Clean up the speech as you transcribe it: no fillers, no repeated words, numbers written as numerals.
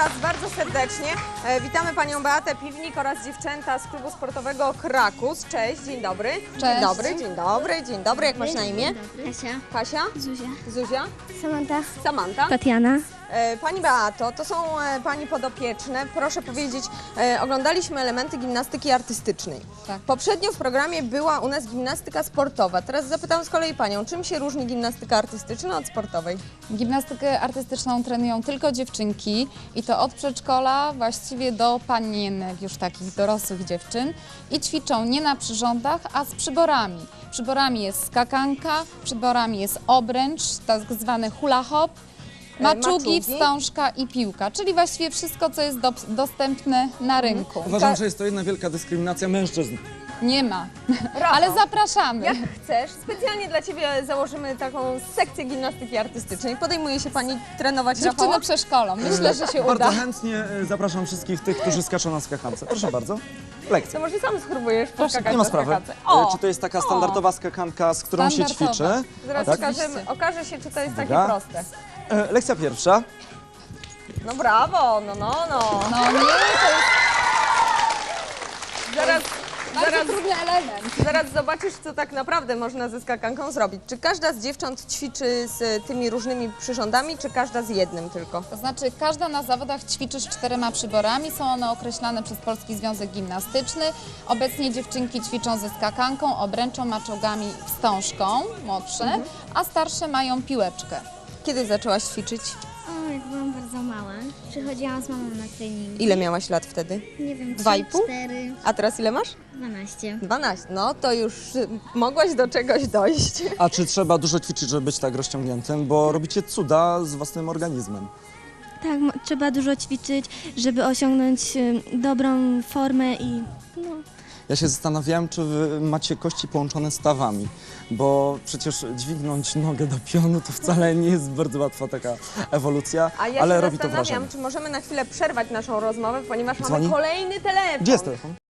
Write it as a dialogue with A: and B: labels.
A: Was bardzo serdecznie. Witamy Panią Beatę Piwnik oraz dziewczęta z klubu sportowego Krakus. Cześć, dzień dobry.
B: Cześć.
A: Dzień dobry, dzień dobry, dzień dobry. Jak masz na imię?
C: Kasia.
A: Kasia?
C: Zuzia.
A: Zuzia?
C: Samanta.
A: Samanta?
C: Tatiana.
A: Pani Beato, to są Pani podopieczne. Proszę powiedzieć, oglądaliśmy elementy gimnastyki artystycznej.
B: Tak.
A: Poprzednio w programie była u nas gimnastyka sportowa. Teraz zapytam z kolei Panią, czym się różni gimnastyka artystyczna od sportowej?
B: Gimnastykę artystyczną trenują tylko dziewczynki i to od przedszkola właściwie do panienek, już takich dorosłych dziewczyn, i ćwiczą nie na przyrządach, a z przyborami. Przyborami jest skakanka, przyborami jest obręcz, tak zwany hula hop, maczugi, wstążka i piłka, czyli właściwie wszystko, co jest dostępne na rynku.
D: Uważam, że jest to jedna wielka dyskryminacja mężczyzn.
B: Nie ma,
A: Rafał,
B: ale zapraszamy.
A: Jak chcesz, specjalnie dla Ciebie założymy taką sekcję gimnastyki artystycznej. Podejmuje się Pani trenować
B: Dziewczyny
A: Rafała?
B: przeszkolą, myślę, że się
D: Bardzo
B: uda.
D: chętnie zapraszam wszystkich tych, którzy skaczą na skakance. Proszę bardzo.
A: To
D: Lekcja.
A: może sam spróbujesz poskakać
D: Nie ma
A: na
D: sprawy.
A: skakance. O!
D: Czy to jest taka standardowa skakanka, z którą się
B: Standardowa.
D: ćwiczy?
A: Zaraz
D: Tak?
A: okaże się, czy to jest takie
D: Uwaga.
A: proste.
D: Lekcja pierwsza.
A: No brawo, no.
B: No nie, to jest
A: Zaraz,
B: bardzo trudny element.
A: zaraz zobaczysz, co tak naprawdę można ze skakanką zrobić. Czy każda z dziewcząt ćwiczy z tymi różnymi przyrządami, czy każda z jednym tylko?
B: To znaczy, każda na zawodach ćwiczy z 4 przyborami, są one określane przez Polski Związek Gimnastyczny. Obecnie dziewczynki ćwiczą ze skakanką, obręczą, maczugami, wstążką, młodsze, a starsze mają piłeczkę.
A: Kiedy zaczęłaś ćwiczyć?
C: O, jak byłam bardzo mała. Przychodziłam z mamą na trening.
A: Ile miałaś lat wtedy?
C: Nie wiem,
A: 2,5?
C: 4,
A: A teraz ile masz?
C: 12.
A: 12. No to już mogłaś do czegoś dojść.
D: A czy trzeba dużo ćwiczyć, żeby być tak rozciągniętym? Bo robicie cuda z własnym organizmem.
E: Tak, trzeba dużo ćwiczyć, żeby osiągnąć dobrą formę i no.
D: Ja się zastanawiałem, czy wy macie kości połączone stawami, bo przecież dźwignąć nogę do pionu to wcale nie jest bardzo łatwa taka ewolucja,
A: A ja
D: ale
A: się
D: robi to
A: zastanawiam,
D: wrażenie.
A: czy możemy na chwilę przerwać naszą rozmowę, ponieważ
D: Dzwoni?
A: mamy kolejny telefon.
D: Gdzie jest telefon?